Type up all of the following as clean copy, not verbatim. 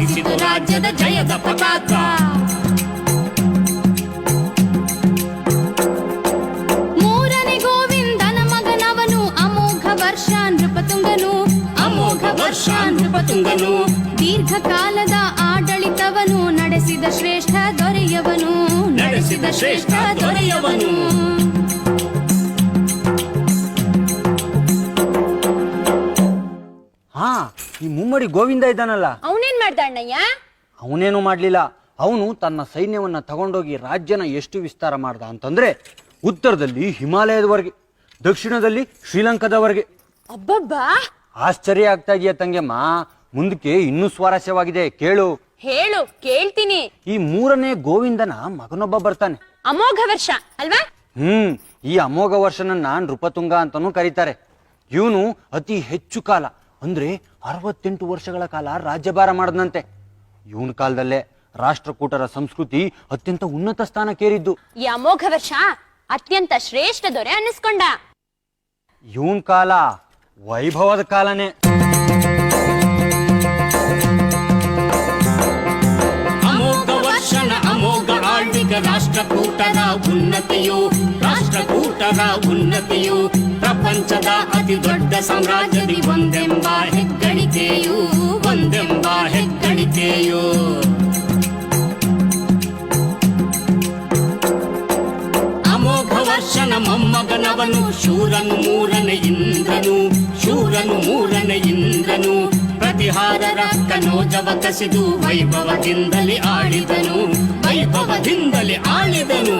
ಹಾರಿಸಿತು ರಾಜ್ಯದ ಜಯದ ಪತಾಕ. ಮೂರನೇ ಗೋವಿಂದನ ಮಗನವನು ಅಮೋಘ ವರ್ಷ ನೃಪತುಂಗನು. ಅಮೋಘ ವರ್ಷ ನೃಪತುಂಗನು ದೀರ್ಘಕಾಲದ ಆಡಳಿತವನು ನಡೆಸಿದ ಶ್ರೇಷ್ಠ ದೊರೆಯವನು. ನಡೆಸಿದ ಶ್ರೇಷ್ಠ ದೊರೆಯವನು. ಹಾ, ಈ ಮುಮ್ಮಡಿ ಗೋವಿಂದ ಇದ್ದಾನಲ್ಲ, ಅವನೇನ್ ಮಾಡ್ದ ಅಣ್ಣಯ್ಯ? ಅವನೇನು ಮಾಡ್ಲಿಲ್ಲ. ಅವನು ತನ್ನ ಸೈನ್ಯವನ್ನ ತಗೊಂಡೋಗಿ ರಾಜ್ಯನ ಎಷ್ಟು ವಿಸ್ತಾರ ಮಾಡ್ದ ಅಂತಂದ್ರೆ, ಉತ್ತರದಲ್ಲಿ ಹಿಮಾಲಯದವರೆಗೆ, ದಕ್ಷಿಣದಲ್ಲಿ ಶ್ರೀಲಂಕಾದವರೆಗೆ. ಅಬ್ಬಬ್ಬಾ, ಆಶ್ಚರ್ಯ ಆಗ್ತಾ ಇದೆಯಾ ತಂಗೆಮ್ಮ? ಮುಂದಕ್ಕೆ ಇನ್ನೂ ಸ್ವಾರಸ್ಯವಾಗಿದೆ, ಕೇಳು. ಹೇಳು, ಕೇಳ್ತೀನಿ. ಈ ಮೂರನೇ ಗೋವಿಂದನ ಮಗನೊಬ್ಬ ಬರ್ತಾನೆ. ಅಮೋಘ ವರ್ಷ ಅಲ್ವಾ? ಈ ಅಮೋಘ ವರ್ಷನನ್ನ ನೃಪತುಂಗ ಅಂತಾನೂ ಕರೀತಾರೆ. ಇವನು ಅತಿ ಹೆಚ್ಚು ಕಾಲ ಅಂದ್ರೆ 68 ವರ್ಷಗಳ ಕಾಲ ರಾಜ್ಯಭಾರ ಮಾಡದಂತೆ. ಇವನ ಕಾಲದಲ್ಲೇ ರಾಷ್ಟ್ರಕೂಟರ ಸಂಸ್ಕೃತಿ ಅತ್ಯಂತ ಉನ್ನತ ಸ್ಥಾನಕ್ಕೇರಿದ್ದು. ಈ ಅಮೋಘ ವರ್ಷ ಅತ್ಯಂತ ಶ್ರೇಷ್ಠ ದೊರೆ ಅನ್ನಿಸ್ಕೊಂಡ. ಇವನ್ ಕಾಲ ವೈಭವದ ಕಾಲನೇ. ಅಮೋಘ ವರ್ಷನ ಅಮೋಘ ಆಳ್ವಿಕೆ ರಾಷ್ಟ್ರಕೂಟರ ಉನ್ನತಿಯು. ರಾಷ್ಟ್ರಕೂಟರ ಉನ್ನತಿಯು ಪ್ರಪಂಚದ ಅತಿ ದೊಡ್ಡ ಸಾಮ್ರಾಜ್ಯದಿ ಒಂದೆಂಬ ಹೆಗ್ಗಳಿಕೆಯು. ಒಂದೆಂಬ ಹೆಗ್ಗಳಿಕೆಯು. ಅಮೋಘ ವರ್ಷನ ಮೊಮ್ಮಗನವನು ಶೂರನು ಮೂರನೇ ಇಂದ್ರನು. ಶೂರನು ಮೂರನೇ ಇಂದ್ರನು ಪ್ರತಿಹಾರರ ಕನೋಜವ ಕಸಿದು ವೈಭವದಿಂದಲೇ ಆಳಿದನು. ವೈಭವದಿಂದಲೇ ಆಳಿದನು.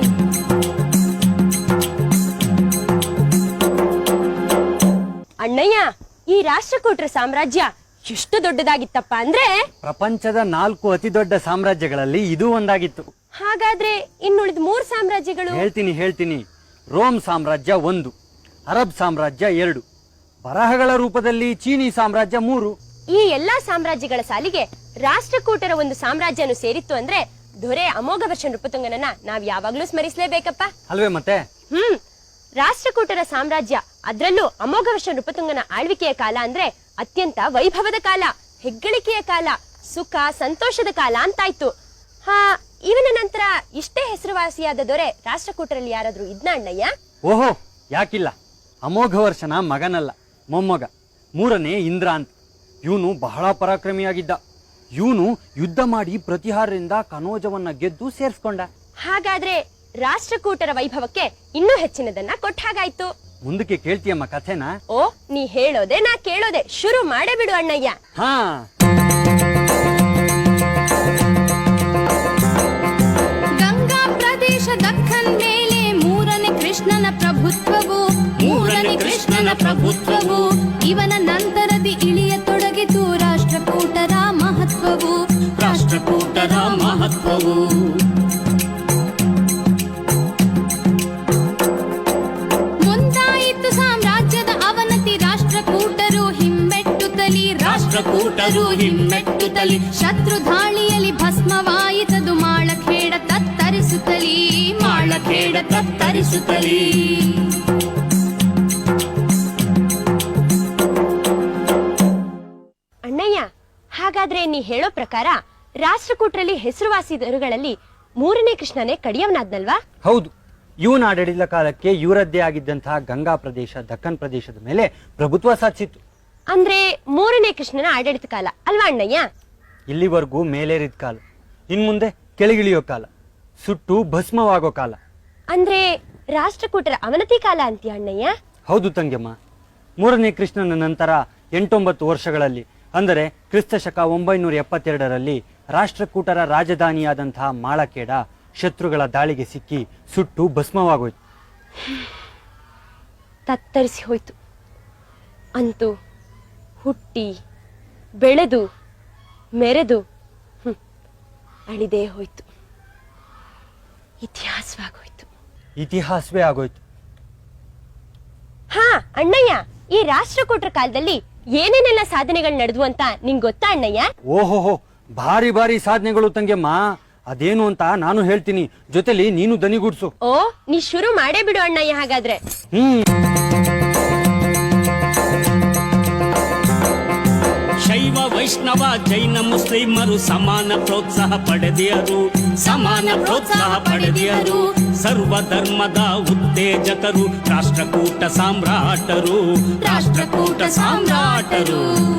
ಅಣ್ಣಯ್ಯ, ಈ ರಾಷ್ಟ್ರಕೂಟರ ಸಾಮ್ರಾಜ್ಯ ಎಷ್ಟು ದೊಡ್ಡದಾಗಿತ್ತಪ್ಪ ಅಂದ್ರೆ, ಪ್ರಪಂಚದ 4 ಅತಿ ದೊಡ್ಡ ಸಾಮ್ರಾಜ್ಯಗಳಲ್ಲಿ ಇದು ಒಂದಾಗಿತ್ತು. ಹಾಗಾದ್ರೆ ಇನ್ನುಳಿದ 3 ಸಾಮ್ರಾಜ್ಯಗಳು? ಹೇಳ್ತೀನಿ. ರೋಮ್ ಸಾಮ್ರಾಜ್ಯ 1, ಅರಬ್ ಸಾಮ್ರಾಜ್ಯ 2, ಬರಹಗಳ ರೂಪದಲ್ಲಿ ಚೀನಿ ಸಾಮ್ರಾಜ್ಯ 3. ಈ ಎಲ್ಲಾ ಸಾಮ್ರಾಜ್ಯಗಳ ಸಾಲಿಗೆ ರಾಷ್ಟ್ರಕೂಟರ ಒಂದು ಸಾಮ್ರಾಜ್ಯನು ಸೇರಿತ್ತು ಅಂದ್ರೆ ದೊರೆ ಅಮೋಘ ವರ್ಷ ನೃಪತುಂಗನನ್ನ ನಾವ್ ಯಾವಾಗ್ಲೂ ಸ್ಮರಿಸಲೇಬೇಕಪ್ಪ ಅಲ್ವೇ ಮತ್ತೆ? ರಾಷ್ಟ್ರಕೂಟರ ಸಾಮ್ರಾಜ್ಯ, ಅದ್ರಲ್ಲೂ ಅಮೋಘ ವರ್ಷ ನೃಪತುಂಗನ ಆಳ್ವಿಕೆಯ ಕಾಲ ಅಂದ್ರೆ ಅತ್ಯಂತ ವೈಭವದ ಕಾಲ, ಹೆಗ್ಗಳಿಕೆಯ ಕಾಲ, ಸುಖ ಸಂತೋಷದ ಕಾಲ ಅಂತಾಯ್ತು. ಇವನ ನಂತರ ಇಷ್ಟೇ ಹೆಸರುವಾಸಿಯಾದ ದೊರೆ ರಾಷ್ಟ್ರಕೂಟರಲ್ಲಿ ಯಾರಾದ್ರೂ ಇದ್ನ ಅಣ್ಣಯ್ಯ? ಓಹೋ, ಯಾಕಿಲ್ಲ. ಅಮೋಘ ವರ್ಷನ ಮಗನಲ್ಲ, ಮೊಮ್ಮಗ, 3ನೇ ಇಂದ್ರ ಅಂತ. ಇವನು ಬಹಳ ಪರಾಕ್ರಮಿಯಾಗಿದ್ದ. ಇವನು ಯುದ್ಧ ಮಾಡಿ ಪ್ರತಿಹಾರದಿಂದ ಕನೋಜವನ್ನ ಗೆದ್ದು ಸೇರ್ಸ್ಕೊಂಡ. ಹಾಗಾದ್ರೆ ರಾಷ್ಟ್ರಕೂಟರ ವೈಭವಕ್ಕೆ ಇನ್ನೂ ಹೆಚ್ಚಿನದನ್ನ ಕೊಟ್ಟ ಹಾಗಾಯ್ತು. ಮುಂದಕ್ಕೆ ಕೇಳ್ತೀಯಮ್ಮ ಕಥೆನ? ಓ, ನೀ ಹೇಳೋದೆ ನಾ ಕೇಳೋದೆ, ಶುರು ಮಾಡೇ ಬಿಡು ಅಣ್ಣಯ್ಯ. ಗಂಗಾ ಪ್ರದೇಶ ದಕ್ಕನ್ ಮೇಲೆ ಮೂರನೇ ಕೃಷ್ಣನ ಪ್ರಭುತ್ವವು. ಮೂರನೇ ಕೃಷ್ಣನ ಪ್ರಭುತ್ವವು ಇವನ ನಂತರದಿ ಇಳಿಯತೊಡಗಿತು ರಾಷ್ಟ್ರಕೂಟರ ಮಹತ್ವವು. ರಾಷ್ಟ್ರಕೂಟರ ಮಹತ್ವವು ಮುಂದಾಯಿತು ಸಾಮ್ರಾಜ್ಯದ ಅವನತಿ. ರಾಷ್ಟ್ರಕೂಟರು ಹಿಮ್ಮೆಟ್ಟುತ್ತಲಿ. ರಾಷ್ಟ್ರಕೂಟರು ಹಿಮ್ಮೆಟ್ಟುತ್ತಲಿ. ಶತ್ರು ಧಾಳಿಯಲ್ಲಿ ಭಸ್ಮವಾಯಿತದು ಮಾಳಖೇಡ ತತ್ತರಿಸುತ್ತಲಿ. ಮಾಳಖೇಡ ತತ್ತರಿಸುತ್ತಲಿ. ಅಣ್ಣಯ್ಯ, ಹಾಗಾದ್ರೆ ನೀ ಹೇಳೋ ಪ್ರಕಾರ ರಾಷ್ಟ್ರಕೂಟರಲ್ಲಿ ಹೆಸರುವಾಸಿ ದೊರೆಗಳಲ್ಲಿ 3ನೇ ಕೃಷ್ಣನೇ ಕಡಿಯವನಾದ್ನಲ್ವಾ? ಹೌದು. ಇವನ ಆಡಳಿತ ಕಾಲಕ್ಕೆ ಇವರದ್ದೇ ಆಗಿದ್ದಂತಹ ಗಂಗಾ ಪ್ರದೇಶ, ದಕ್ಕನ್ ಪ್ರದೇಶದ ಮೇಲೆ ಪ್ರಭುತ್ವ ಸಾಧಿಸಿತ್ತು. ಅಂದ್ರೆ 3ನೇ ಕೃಷ್ಣನ ಆಡಳಿತ ಕಾಲ ಅಲ್ವಾ ಅಣ್ಣಯ್ಯ? ಇಲ್ಲಿವರೆಗೂ ಮೇಲೇರಿದ ಕಾಲ, ಇನ್ಮುಂದೆ ಕೆಳಗಿಳಿಯೋ ಕಾಲ, ಸುಟ್ಟು ಭಸ್ಮವಾಗೋ ಕಾಲ. ಅಂದ್ರೆ ರಾಷ್ಟ್ರಕೂಟರ ಅವನತಿ ಕಾಲ ಅಂತೀಯ ಅಣ್ಣಯ್ಯ? ಹೌದು ತಂಗೆಮ್ಮ. 3ನೇ ಕೃಷ್ಣನ ನಂತರ 8-9 ವರ್ಷಗಳಲ್ಲಿ, ಅಂದರೆ ಕ್ರಿಸ್ತ ಶಕ 972ರಲ್ಲಿ ರಾಷ್ಟ್ರಕೂಟರ ರಾಜಧಾನಿಯಾದಂತಹ ಮಾಳಖೇಡ ಶತ್ರುಗಳ ದಾಳಿಗೆ ಸಿಕ್ಕಿ ಸುಟ್ಟು ಭಸ್ಮವಾಗೋಯ್ತು. ತತ್ತರಿಸಿ ಹೋಯ್ತು. ಅಂತೂ ಹುಟ್ಟಿ ಬೆಳೆದು ಮೆರೆದು ಅಳಿದೇ ಹೋಯ್ತು. ಇತಿಹಾಸವಾಗೋಯ್ತು. ಇತಿಹಾಸವೇ ಆಗೋಯ್ತು. ಅಣ್ಣಯ್ಯ, ಈ ರಾಷ್ಟ್ರಕೂಟರ ಕಾಲದಲ್ಲಿ ಏನೇನೆಲ್ಲ ಸಾಧನೆಗಳು ನಡೆದ್ವು ಅಂತ ನಿಂಗ್ ಗೊತ್ತಾ ಅಣ್ಣಯ್ಯ? ಓಹೋಹೋ, ಭಾರಿ ಭಾರಿ ಸಾಧನೆಗಳು ತಂಗೆಮ್ಮ. ಅದೇನು ಅಂತ ನಾನು ಹೇಳ್ತೀನಿ, ಜೊತೆಲಿ ನೀನು ದನಿಗೂಡ್ಸು. ಓ, ನೀ ಶುರು ಮಾಡೇ ಬಿಡು ಅಣ್ಣಯ್ಯ ಹಾಗಾದ್ರೆ. ಶೈವ ಶೈವ ವೈಷ್ಣವ ಜೈನ ಮುಸ್ಲಿಮರು ಸಮಾನ ಪ್ರೋತ್ಸಾಹ ಪಡೆದಿಯರು, ಸಮಾನ ಪ್ರೋತ್ಸಾಹ ಪಡೆದಿಯರು. ಸರ್ವಧರ್ಮದ ಉತ್ತೇಜಕರು ರಾಷ್ಟ್ರಕೂಟ ಸಾಮ್ರಾಟರು, ರಾಷ್ಟ್ರಕೂಟ ಸಾಮ್ರಾಟರು.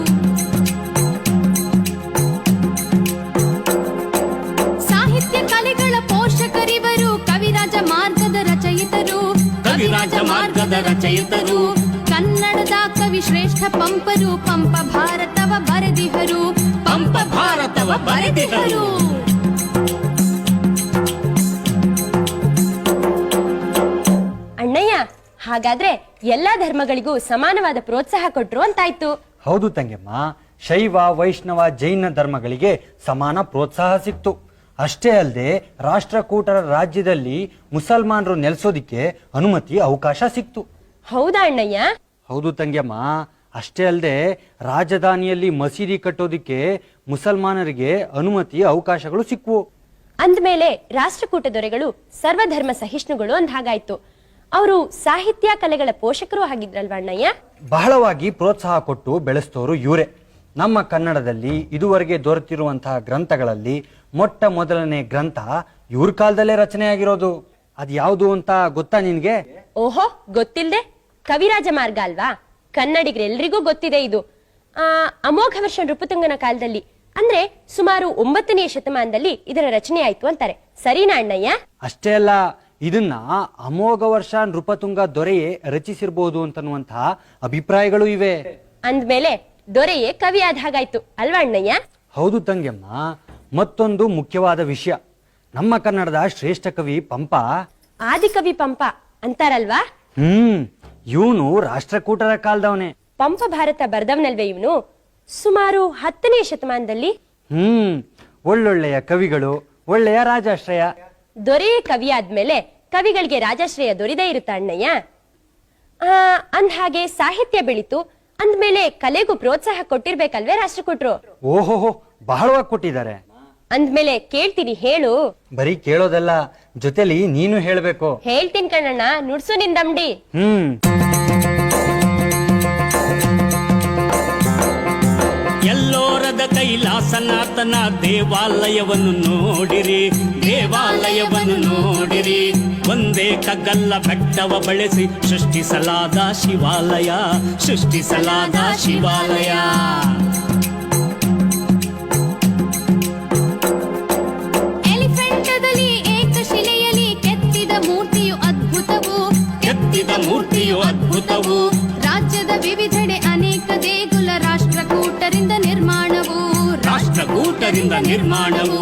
ಸಾಹಿತ್ಯ ಕಲೆಗಳ ಪೋಷಕರಿವರು, ಕವಿರಾಜ ಮಾರ್ಗದ ರಚಯಿತರು, ಕವಿರಾಜ ಮಾರ್ಗದ ರಚಯಿತರು. ಕನ್ನಡದ ಕವಿ ಶ್ರೇಷ್ಠ ಪಂಪರು, ಪಂಪ ಭಾರತವ ಬರೆದಿಹರು, ಪಂಪ ಭಾರತವ ಬರೆದಿಹರು. ಅಣ್ಣಯ್ಯ, ಹಾಗಾದ್ರೆ ಎಲ್ಲಾ ಧರ್ಮಗಳಿಗೂ ಸಮಾನವಾದ ಪ್ರೋತ್ಸಾಹ ಕೊಟ್ರು ಅಂತಾಯ್ತು. ಹೌದು ತಂಗೆಮ್ಮ, ಶೈವ ವೈಷ್ಣವ ಜೈನ ಧರ್ಮಗಳಿಗೆ ಸಮಾನ ಪ್ರೋತ್ಸಾಹ ಸಿಕ್ತು. ಅಷ್ಟೇ ಅಲ್ಲದೆ ರಾಷ್ಟ್ರಕೂಟರ ರಾಜ್ಯದಲ್ಲಿ ಮುಸಲ್ಮಾನರು ನೆಲೆಸೋದಿಕ್ಕೆ ಅನುಮತಿ ಅವಕಾಶ ಸಿಕ್ತು. ಹೌದಾ ಅಣ್ಣಯ್ಯ? ಹೌದು ತಂಗ್ಯಮ್ಮ, ಅಷ್ಟೇ ಅಲ್ಲದೆ ರಾಜಧಾನಿಯಲ್ಲಿ ಮಸೀದಿ ಕಟ್ಟೋದಿಕ್ಕೆ ಮುಸಲ್ಮಾನರಿಗೆ ಅನುಮತಿ ಅವಕಾಶಗಳು ಸಿಕ್ವು. ಅಂದ್ಮೇಲೆ ರಾಷ್ಟ್ರಕೂಟ ದೊರೆಗಳು ಸರ್ವಧರ್ಮ ಸಹಿಷ್ಣುಗಳು ಅಂದ ಹಾಗಾಯ್ತು. ಅವರು ಸಾಹಿತ್ಯ ಕಲೆಗಳ ಪೋಷಕರು ಆಗಿದ್ರಲ್ವ ಅಣ್ಣಯ್ಯ? ಬಹಳವಾಗಿ ಪ್ರೋತ್ಸಾಹ ಕೊಟ್ಟು ಬೆಳೆಸ್ತೋರು ಇವರೇ. ನಮ್ಮ ಕನ್ನಡದಲ್ಲಿ ಇದುವರೆಗೆ ದೊರೆತಿರುವಂತಹ ಗ್ರಂಥಗಳಲ್ಲಿ ಮೊಟ್ಟ ಮೊದಲನೇ ಗ್ರಂಥ ಇವ್ರ ಕಾಲದಲ್ಲೇ ರಚನೆಯಾಗಿರೋದು. ಅದು ಯಾವುದು ಅಂತ ಗೊತ್ತಾ ನಿನ್ಗೆ? ಓಹೋ, ಗೊತ್ತಿಲ್ದೆ? ಕವಿರಾಜ ಮಾರ್ಗ ಅಲ್ವಾ? ಕನ್ನಡಿಗರೆಲ್ಲರಿಗೂ ಗೊತ್ತಿದೆ ಇದು. ಅಮೋಘ ವರ್ಷ ನೃಪತುಂಗನ ಕಾಲದಲ್ಲಿ, ಅಂದ್ರೆ ಸುಮಾರು 9ನೇ ಶತಮಾನದಲ್ಲಿ ಇದರ ರಚನೆ ಆಯ್ತು ಅಂತಾರೆ. ಸರಿನಾ ಅಣ್ಣಯ್ಯ? ಅಷ್ಟೇ ಅಲ್ಲ, ಇದನ್ನ ಅಮೋಘ ವರ್ಷ ನೃಪತುಂಗ ದೊರೆಯೇ ರಚಿಸಿರ್ಬೋದು ಅಂತನ್ನುವಂತಹ ಅಭಿಪ್ರಾಯಗಳು ಇವೆ. ಅಂದ್ಮೇಲೆ ದೊರೆಯೇ ಕವಿ ಆದ ಹಾಗಾಯ್ತು ಅಲ್ವಾ ಅಣ್ಣಯ್ಯ? ಹೌದು ತಂಗ್ಯಮ್ಮ. ಮತ್ತೊಂದು ಮುಖ್ಯವಾದ ವಿಷಯ, ನಮ್ಮ ಕನ್ನಡದ ಶ್ರೇಷ್ಠ ಕವಿ ಪಂಪ, ಆದಿಕವಿ ಪಂಪ ಅಂತಾರಲ್ವಾ? ಇವನು ರಾಷ್ಟ್ರಕೂಟರ ಕಾಲದವನೇ. ಪಂಪ ಭಾರತ ಬರ್ದವನಲ್ವೇ ಇವನು? ಸುಮಾರು 10ನೇ ಶತಮಾನದಲ್ಲಿ. ಒಳ್ಳೊಳ್ಳೆಯ ಕವಿಗಳು, ಒಳ್ಳೆಯ ರಾಜಾಶ್ರಯ. ದೊರೆಯೇ ಕವಿ ಆದ್ಮೇಲೆ ಕವಿಗಳಿಗೆ ರಾಜಾಶ್ರಯ ದೊರೆದೇ ಇರುತ್ತ ಅಣ್ಣಯ್ಯ? ಅಂದ ಹಾಗೆ ಸಾಹಿತ್ಯ ಬೆಳೀತು ಅಂದ್ಮೇಲೆ ಕಲೆಗೂ ಪ್ರೋತ್ಸಾಹ ಕೊಟ್ಟಿರ್ಬೇಕಲ್ವೇ ರಾಷ್ಟ್ರಕೂಟರು? ಓಹೋಹೋ, ಬಹಳವಾಗಿ ಕೊಟ್ಟಿದ್ದಾರೆ. ಅಂದ್ಮೇಲೆ ಕೇಳ್ತೀನಿ, ಹೇಳು. ಬರೀ ಕೇಳೋದಲ್ಲ, ಜೊತೆಲಿ ನೀನು ಹೇಳ್ಬೇಕು. ಹೇಳ್ತೀನಿ ಕಣ್ಣಣ್ಣ, ನುಡ್ಸು ನಿಂದಮ್ಡಿ. ಎಲ್ಲೋರದ ಕೈಲಾಸನಾಥನ ದೇವಾಲಯವನ್ನು ನೋಡಿರಿ, ದೇವಾಲಯವನ್ನು ನೋಡಿರಿ. ಒಂದೇ ಕಗ್ಗಲ್ಲ ಬೆಟ್ಟವ ಬಳಸಿ ಸೃಷ್ಟಿಸಲಾದ ಶಿವಾಲಯ, ಸೃಷ್ಟಿಸಲಾದ ಶಿವಾಲಯ. ಎಲಿಫೆಂಟದಲ್ಲಿ ಏಕಶಿಲೆಯಲ್ಲಿ ಕೆತ್ತಿದ ಮೂರ್ತಿಯು ಅದ್ಭುತವು, ಕೆತ್ತಿದ ಮೂರ್ತಿಯು ಅದ್ಭುತವು. ರಾಜ್ಯದ ವಿವಿಧೆಡೆ ಅನೇಕ ದೇಗುಲ ರಾಷ್ಟ್ರಕೂಟರಿಂದ ನಿರ್ಮಾಣವು, ರಾಷ್ಟ್ರಕೂಟರಿಂದ ನಿರ್ಮಾಣವು.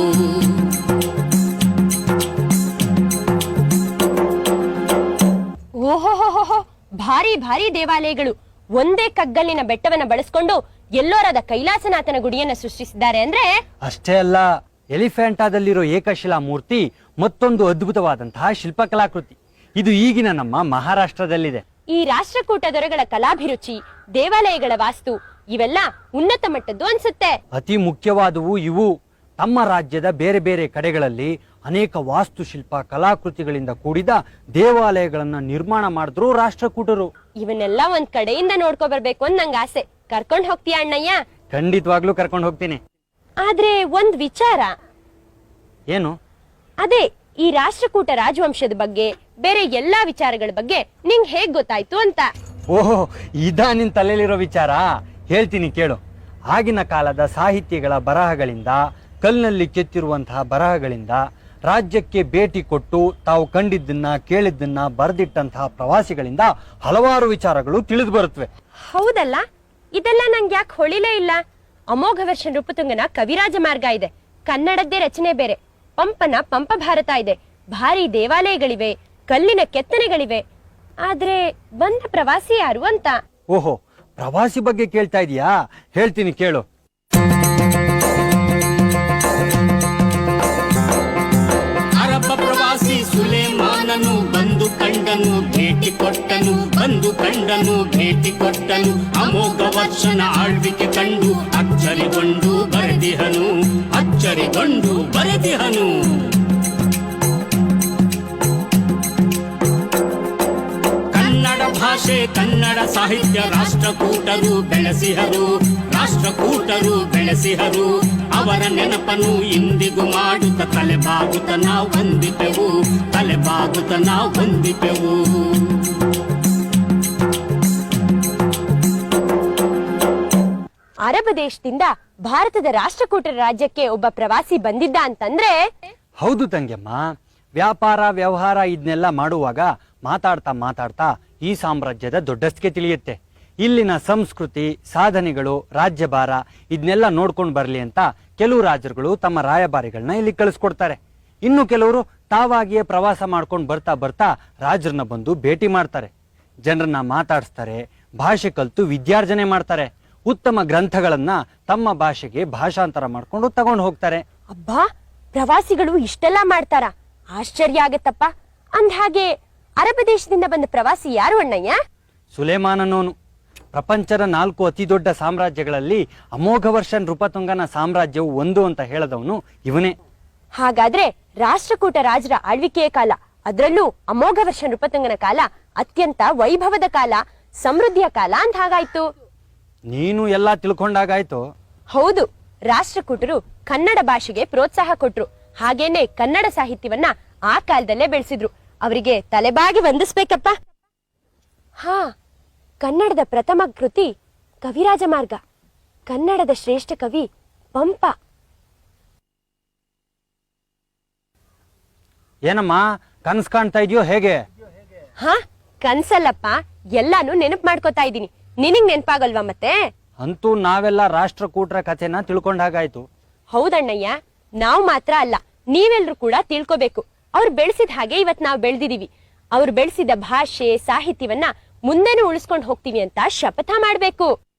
ಓಹೋಹೋಹೋ, ಭಾರಿ ಭಾರಿ ದೇವಾಲಯಗಳು ಒಂದೇ ಕಗ್ಗಲ್ಲಿನ ಬೆಟ್ಟವನ್ನ ಬಳಸ್ಕೊಂಡು ಎಲ್ಲೋರದ ಕೈಲಾಸನಾಥನ ಗುಡಿಯನ್ನ ಸೃಷ್ಟಿಸಿದ್ದಾರೆ ಅಂದ್ರೆ. ಅಷ್ಟೇ ಅಲ್ಲ, ಎಲಿಫೆಂಟಾದಲ್ಲಿರೋ ಏಕಶಿಲಾ ಮೂರ್ತಿ ಮತ್ತೊಂದು ಅದ್ಭುತವಾದಂತಹ ಶಿಲ್ಪಕಲಾಕೃತಿ. ಇದು ಈಗಿನ ನಮ್ಮ ಮಹಾರಾಷ್ಟ್ರದಲ್ಲಿದೆ. ಈ ರಾಷ್ಟ್ರಕೂಟ ದೊರೆಗಳ ಕಲಾಭಿರುಚಿ, ದೇವಾಲಯಗಳ ವಾಸ್ತು ಇವೆಲ್ಲ ಉನ್ನತ ಮಟ್ಟದ್ದು ಅನ್ಸುತ್ತೆ. ಅತಿ ಮುಖ್ಯವಾದವು ಇವು. ತಮ್ಮ ರಾಜ್ಯದ ಬೇರೆ ಬೇರೆ ಕಡೆಗಳಲ್ಲಿ ಅನೇಕ ವಾಸ್ತುಶಿಲ್ಪ ಕಲಾಕೃತಿಗಳಿಂದ ಕೂಡಿದ ದೇವಾಲಯಗಳನ್ನ ನಿರ್ಮಾಣ ಮಾಡಿದ್ರು ರಾಷ್ಟ್ರಕೂಟರು. ಇವನ್ನೆಲ್ಲ ಒಂದ್ ಕಡೆಯಿಂದ ನೋಡ್ಕೊ ಬರ್ಬೇಕು ಅಂತ ನಂಗೆ ಆಸೆ. ಕರ್ಕೊಂಡ್ ಹೋಗ್ತೀಯ ಅಣ್ಣಯ್ಯ? ಖಂಡಿತವಾಗ್ಲೂ ಕರ್ಕೊಂಡು ಹೋಗ್ತೀನಿ. ಆದ್ರೆ ಒಂದ್ ವಿಚಾರ. ಏನು? ಅದೇ ಈ ರಾಷ್ಟ್ರಕೂಟ ರಾಜವಂಶದ ಬಗ್ಗೆ, ಬೇರೆ ಎಲ್ಲಾ ವಿಚಾರಗಳ ಬಗ್ಗೆ ನಿಂಗ್ ಹೇಗ್ ಗೊತ್ತಾಯ್ತು ಅಂತ. ಓಹೋ, ಇದಾ ನಿನ್ ತಲೆಯಲ್ಲಿರೋ ವಿಚಾರ? ಹೇಳ್ತೀನಿ ಕೇಳು. ಆಗಿನ ಕಾಲದ ಸಾಹಿತ್ಯಗಳ ಬರಹಗಳಿಂದ, ಕಲ್ಲಿನಲ್ಲಿ ಕೆತ್ತಿರುವಂತಹ ಬರಹಗಳಿಂದ, ರಾಜ್ಯಕ್ಕೆ ಭೇಟಿ ಕೊಟ್ಟು ತಾವು ಕಂಡಿದ್ದನ್ನ ಕೇಳಿದ್ದನ್ನ ಬರೆದಿಟ್ಟಂತಹ ಪ್ರವಾಸಿಗಳಿಂದ ಹಲವಾರು ವಿಚಾರಗಳು ತಿಳಿದು ಬರುತ್ತವೆ. ಹೌದಲ್ಲ, ಇದೆಲ್ಲ ನಂಗೆ ಯಾಕೆ ಹೊಳಿಲೇ ಇಲ್ಲ? ಅಮೋಘ ವರ್ಷ ನೃಪತುಂಗನ ಕವಿರಾಜ ಮಾರ್ಗ ಇದೆ, ಕನ್ನಡದ್ದೇ ರಚನೆ ಬೇರೆ. ಪಂಪನ ಪಂಪ ಭಾರತ ಇದೆ, ಭಾರಿ ದೇವಾಲಯಗಳಿವೆ, ಕಲ್ಲಿನ ಕೆತ್ತನೆಗಳಿವೆ. ಆದ್ರೆ ಬಂದ ಪ್ರವಾಸಿ ಯಾರು ಅಂತ. ಓಹೋ, ಪ್ರವಾಸಿ ಬಗ್ಗೆ ಕೇಳ್ತಾ ಇದೀಯಾ? ಹೇಳ್ತೀನಿ ಕೇಳು. ಅರಬ್ಬ ಪ್ರವಾಸಿ ಸುಲೇಮಾನನು ಬಂದು ಕಂಡನು, ಭೇಟಿ ಕೊಟ್ಟನು, ಬಂದು ಕಂಡನು, ಭೇಟಿ ಕೊಟ್ಟನು. ಅಮೋಘ ವರ್ಷನ ಆಳ್ವಿಕೆ ಕಂಡು ಅಚ್ಚರಿಗೊಂಡು ಬರೆದಿಹನು, ಅಚ್ಚರಿಗೊಂಡು ಬರೆದಿಹನು. ಕನ್ನಡ ಭಾಷೆ, ಕನ್ನಡ ಸಾಹಿತ್ಯ ರಾಷ್ಟ್ರಕೂಟರು ಬೆಳೆಸಿಹರು, ರಾಷ್ಟ್ರಕೂಟರು ಬೆಳೆಸಿಹರು ಅವರ ನೆನಪನ್ನು ಇಂದಿಗೂ ಮಾಡುತ್ತ ತಲೆಬಾಗುತ್ತ ನಾವು ಹೊಂದಿಪೆವು ತಲೆಬಾಗುತ್ತ ನಾವು ಹೊಂದಿಪೆವು. ಅರಬ್ ದೇಶದಿಂದ ಭಾರತದ ರಾಷ್ಟ್ರಕೂಟರ ರಾಜ್ಯಕ್ಕೆ ಒಬ್ಬ ಪ್ರವಾಸಿ ಬಂದಿದ್ದ ಅಂತಂದ್ರೆ ಹೌದು ತಂಗೆಮ್ಮ, ವ್ಯಾಪಾರ ವ್ಯವಹಾರ ಇದನ್ನೆಲ್ಲ ಮಾಡುವಾಗ ಮಾತಾಡ್ತಾ ಈ ಸಾಮ್ರಾಜ್ಯದ ದೊಡ್ಡಸ್ತಿಗೆ ತಿಳಿಯುತ್ತೆ. ಇಲ್ಲಿನ ಸಂಸ್ಕೃತಿ, ಸಾಧನೆಗಳು, ರಾಜ್ಯಭಾರ ಇದನ್ನೆಲ್ಲ ನೋಡ್ಕೊಂಡು ಬರ್ಲಿ ಅಂತ ಕೆಲವು ರಾಜರುಗಳು ತಮ್ಮ ರಾಯಭಾರಿಗಳನ್ನ ಇಲ್ಲಿ ಕಳಿಸ್ಕೊಡ್ತಾರೆ. ಇನ್ನು ಕೆಲವರು ತಾವಾಗಿಯೇ ಪ್ರವಾಸ ಮಾಡ್ಕೊಂಡು ಬರ್ತಾ ರಾಜರನ್ನ ಬಂದು ಭೇಟಿ ಮಾಡ್ತಾರೆ, ಜನರನ್ನ ಮಾತಾಡಿಸ್ತಾರೆ, ಭಾಷೆ ಕಲಿತು ವಿದ್ಯಾರ್ಜನೆ ಮಾಡ್ತಾರೆ, ಉತ್ತಮ ಗ್ರಂಥಗಳನ್ನ ತಮ್ಮ ಭಾಷೆಗೆ ಭಾಷಾಂತರ ಮಾಡ್ಕೊಂಡು ತಗೊಂಡು ಹೋಗ್ತಾರೆ. ಅಬ್ಬಾ, ಪ್ರವಾಸಿಗಳು ಇಷ್ಟೆಲ್ಲ ಮಾಡ್ತಾರ? ಆಶ್ಚರ್ಯ ಆಗತ್ತಪ್ಪ. ಅಂದ್ಹಾಗೆ ಅರಬ್ ದೇಶದಿಂದ ಬಂದ ಪ್ರವಾಸಿ ಯಾರು ಅಣ್ಣಯ್ಯ? ಸುಲೇಮಾನನೋನು. ಪ್ರಪಂಚದ 4 ಅತಿ ದೊಡ್ಡ ಸಾಮ್ರಾಜ್ಯಗಳಲ್ಲಿ ಅಮೋಘವರ್ಷ ನೃಪತುಂಗನ ಸಾಮ್ರಾಜ್ಯವು ಒಂದು ಅಂತ ಹೇಳದವನು ಇವನೇ. ಹಾಗಾದ್ರೆ ರಾಷ್ಟ್ರಕೂಟ ರಾಜರ ಆಳ್ವಿಕೆಯ ಕಾಲ, ಅದರಲ್ಲೂ ಅಮೋಘವರ್ಷ ನೃಪತುಂಗನ ಕಾಲ ಅತ್ಯಂತ ವೈಭವದ ಕಾಲ, ಸಮೃದ್ಧಿಯ ಕಾಲ ಅಂತ ಹಾಗಾಯ್ತು. ನೀನು ಎಲ್ಲ ತಿಳ್ಕೊಂಡಾಗಾಯ್ತು. ಹೌದು, ರಾಷ್ಟ್ರಕೂಟರು ಕನ್ನಡ ಭಾಷೆಗೆ ಪ್ರೋತ್ಸಾಹ ಕೊಟ್ರು. ಹಾಗೇನೆ ಕನ್ನಡ ಸಾಹಿತ್ಯವನ್ನ ಆ ಕಾಲದಲ್ಲೇ ಬೆಳೆಸಿದ್ರು. ಅವರಿಗೆ ತಲೆಬಾಗಿ ವಂದಿಸ್ಬೇಕಪ್ಪ. ಹಾ, ಕನ್ನಡದ ಪ್ರಥಮ ಕೃತಿ ಕವಿರಾಜ ಮಾರ್ಗ, ಕನ್ನಡದ ಶ್ರೇಷ್ಠ ಕವಿ ಪಂಪ. ಏನಮ್ಮ ಕನಸು ಕಾಣ್ತಾ ಇದೆಯೋ ಹೇಗೆ? ಹಾ, ಕನ್ಸಲ್ಲಪ್ಪ, ಎಲ್ಲಾನು ನೆನಪು ಮಾಡ್ಕೋತಾ ಇದ್ದೀನಿ. ನಿನಗ್ ನೆನಪಾಗಲ್ವಾ ಮತ್ತೆ? ಅಂತೂ ನಾವೆಲ್ಲ ರಾಷ್ಟ್ರಕೂಟರ ಕಥೆನ ತಿಳ್ಕೊಂಡಾಗಾಯ್ತು. ಹೌದಣ್ಣಯ್ಯ, ನಾವು ಮಾತ್ರ ಅಲ್ಲ, ನೀವೆಲ್ರೂ ಕೂಡ ತಿಳ್ಕೋಬೇಕು. ಅವ್ರು ಬೆಳೆಸಿದ ಹಾಗೆ ಇವತ್ ನಾವು ಬೆಳೆದಿದೀವಿ. ಅವ್ರು ಬೆಳೆಸಿದ ಭಾಷೆ, ಸಾಹಿತ್ಯವನ್ನ ಮುಂದೆನೂ ಉಳಿಸ್ಕೊಂಡು ಹೋಗ್ತೀವಿ ಅಂತ ಶಪಥ ಮಾಡ್ಬೇಕು.